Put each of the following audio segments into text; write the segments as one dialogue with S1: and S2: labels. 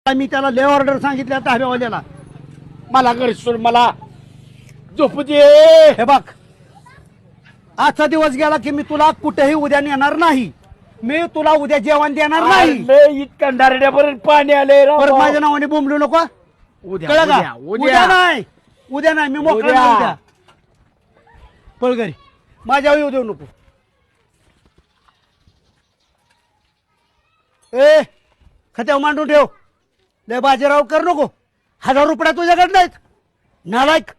S1: मी त्याला ले ऑर्डर सांगितल्या धाब्यावाल्याला.
S2: मला घरी सोड, मला झोपू दे.
S1: हे बघ, आजचा दिवस गेला की मी तुला कुठेही उद्या नेणार नाही. मी तुला उद्या जेवण देणार नाही.
S2: अरे, इतकं डारड्यापर्यंत पाणी आले
S1: परत माझ्या नावाने बोंबलू नको.
S2: उद्या
S1: कळलं
S2: उद्या
S1: का?
S2: उद्या
S1: उद्या नाही, उद्या नाही, मी मोकळा
S2: उद्या.
S1: नाही उद्या. पळ घरी, माझ्या येऊ देऊ नको. ए, खात्यावर मांडून ठेव. लय बाजीराव कर नको. 1000 रुपया तुझ्याकडे नाहीत, नालायक.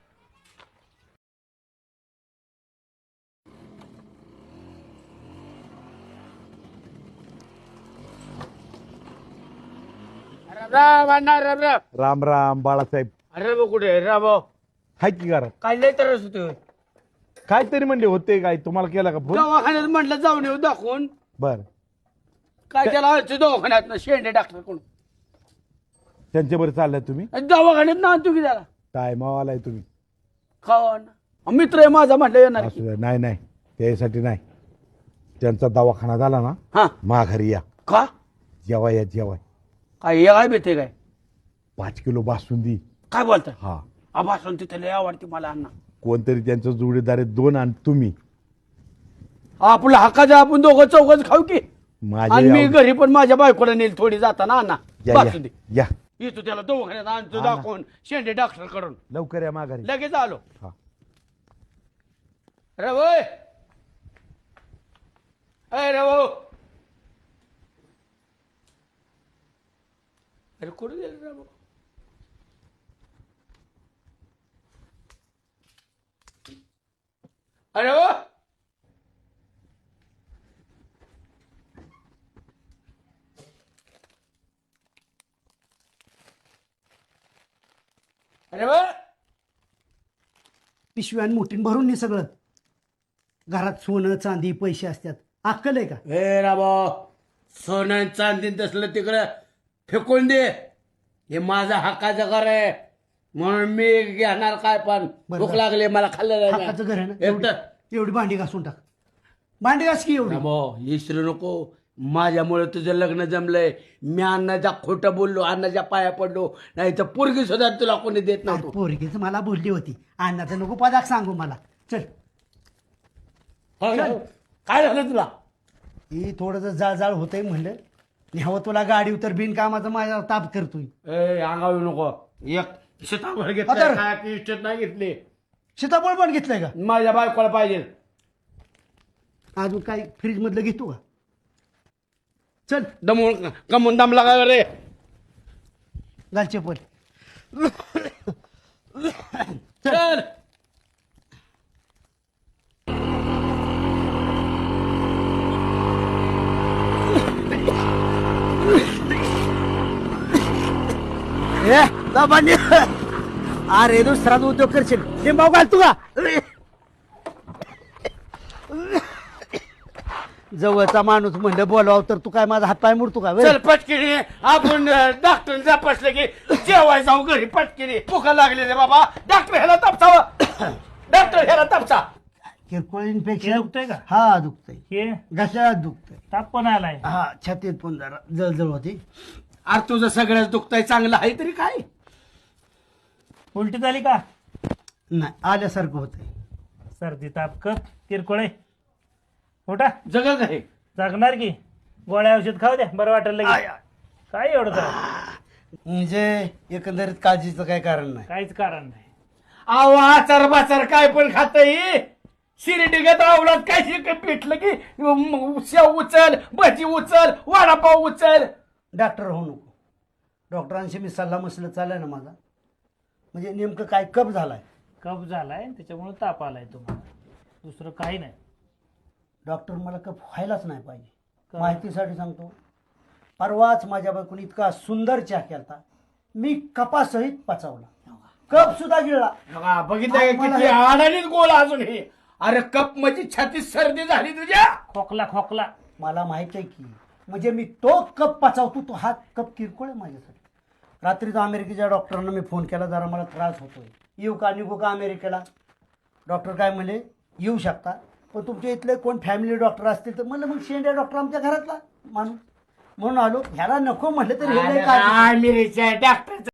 S2: राम अण्णा, राम राम.
S3: राम राम बाळासाहेब.
S2: अरे भाऊ कुठे राम भाऊ?
S3: हाय की घरात?
S2: काय लय त्रास होतोय.
S3: काय तरी म्हणले होते काय तुम्हाला केला का फोन?
S2: दवाखान्यात म्हटलं जाऊन येऊ दाखवून.
S3: बर,
S2: काय त्याला आजच्या दवाखान्यात ना शेंडे डॉक्टर कोण
S3: त्यांच्या बरं चाललाय तुम्ही?
S2: दवाखान्यात ना आणतो की त्याला
S3: टायमावर आलाय तुम्ही.
S2: खावा ना, मित्र आहे माझा म्हटलं येणार की.
S3: असू द्या. नाही नाही, त्यासाठी नाही. त्यांचा दवाखाना झाला ना,
S2: हा
S3: माघारी या.
S2: का
S3: जेवाय या जेवाय.
S2: काय हे काय भेटते काय?
S3: 5 किलो बासुंदी.
S2: काय बोलताय?
S3: हा,
S2: आभासून तिथे लय आवडते मला अण्णा.
S3: कोणतरी त्यांचं जोडीदार आहे 2 आणि तुम्ही.
S2: आपलं हक्काचं आपण दोघं चौघच खाऊ की. आणि मी
S3: माझे
S2: घरी पण माझ्या बायकोला नेल थोडी जाताना अण्णा.
S3: या
S2: बासुंदी
S3: या
S2: येतो त्याला दवाखान्यात आणतो
S3: हा ना.
S2: दाखवून शेंडे डॉक्टर कडून.
S3: लवकर या माघारी.
S2: लगेच आलो.
S3: हा.
S2: अरे भाई, अरे भाऊ, अरे कुठे गेले रे भाऊ? अरे भाऊ, अरे भाऊ,
S1: पिशव्यान मोठीन भरून नाही सगळं. घरात सोनं चांदी पैसे असतात. अक्कल आहे का?
S2: हे राबा, सोनं चांदी तसलं तिकडं फेकून दे. हे माझा हक्काचं घर आहे म्हणून मी घेणार काय पण.
S1: बरं,
S2: भूक
S1: बरं.
S2: लागली मला खाल्लं
S1: हक्काचं घर आहे ना.
S2: एकटं.
S1: एवढी भांडी घासून टाक. भांडी घास की एवढी.
S2: राबो, विसरू नको. माझ्यामुळे तुझं लग्न जमलंय. मी अण्णाच्या खोटं बोललो, अण्णाच्या पाया पडलो. नाही तर पोरगी सुद्धा तुला कोणी देत नव्हतो.
S1: पोरगीच मला बोलली होती. अण्णाचं नको पदाक सांगू मला. चल,
S2: हो, काय झालं तुला?
S1: ही थोडंसं जाळ होतंय म्हणलं न्यावं तुला गाडी उतर. बिनकामाचं माझ्या ताप करतोय.
S2: ए, अंगावी नको. एक शेतावर घेतलं
S1: अतर.
S2: काय की इष्टेत नाही घेतली.
S1: सीताफळ पण घेतलंय का?
S2: माझ्या बायकोला पाहिजे.
S1: अजून काही फ्रीज मधलं घेतो का? चल,
S2: दमून कमून दमला का रे?
S1: घाल चप्पल.
S2: चल.
S1: ए, दाबाने. अरे दुसरा उद्योग करशील. लिंबाव घाल तू का? जवळचा माणूस म्हणलं बोलाव तर तू काय माझा हातपाय मोडतो का?
S2: चल पटकिनी आपण डॉक्टर तपासलं की जेवाय जाऊ घरी पटकिनी. भुका लागली रे बाबा. डॉक्टर ह्याला तापसावं. डॉक्टर ह्याला तापसा.
S1: किरकोळ इन्फेक्शन
S4: दुखतंय का?
S1: हा दुखतंय.
S4: हे
S1: घशात दुखतंय.
S4: ताप पण आलाय.
S1: हा, छातीत पण जरा जळजळ होती.
S2: अरे तुझं सगळ्याच दुखतंय, चांगलं आहे तरी काय?
S4: उलटी झाली का?
S1: नाही, आल्यासारखं होतंय.
S4: सर्दी ताप कप किरकोळ आहे. उठा,
S2: जगल काय?
S4: जागणार की. गोळ्या औषध खाऊ द्या, बरं वाटेल लगेच.
S1: आय, आय.
S4: काय एवढं तर
S1: म्हणजे एकंदरीत काळजीचं काही कारण नाही.
S4: काहीच कारण नाही.
S2: आव आचार बाचार काय पण खातय. शिर्डीगत आवलात काय शिकत भेटलं की शेव उचल, भजी उचल, वडापाव उचल.
S1: डॉक्टर होऊ नको. डॉक्टरांशी मी सल्ला मसला चाललाय ना माझा. म्हणजे नेमकं काय कप झालाय.
S4: कफ झालाय त्याच्यामुळे ताप आलाय तुम्हाला. दुसरं काही नाही.
S1: डॉक्टर मला कप व्हायलाच नाही पाहिजे.
S4: का?
S1: माहितीसाठी सांगतो. परवाच माझ्या बायकोने इतका सुंदर चहा केलता. मी कपासहित पचावला. कप सुद्धा गिळला.
S2: बघा, बघितलं का
S1: मला
S2: किती आडानीच गोल अजून हे. अरे कप म्हणजे छातीत सर्दी झाली तुझ्या.
S4: खोकला खोकला.
S1: मला माहित आहे की म्हणजे मी तो कप पचावतो. तो हा कप किरकोळ आहे माझ्यासाठी. रात्रीच अमेरिकेच्या डॉक्टरांना मी फोन केला. जरा मला त्रास होतोय, येऊ का निघू का अमेरिकेला? डॉक्टर काय म्हणले, येऊ शकता पण तुमच्या इथले कोण फॅमिली डॉक्टर असतील तर. म्हणलं मग शेंड्या डॉक्टर आमच्या घरातला माणूस. म्हणून आलो. ह्याला नको म्हटलं तर हे लय काळजी.
S2: आमिरीच्या डॉक्टर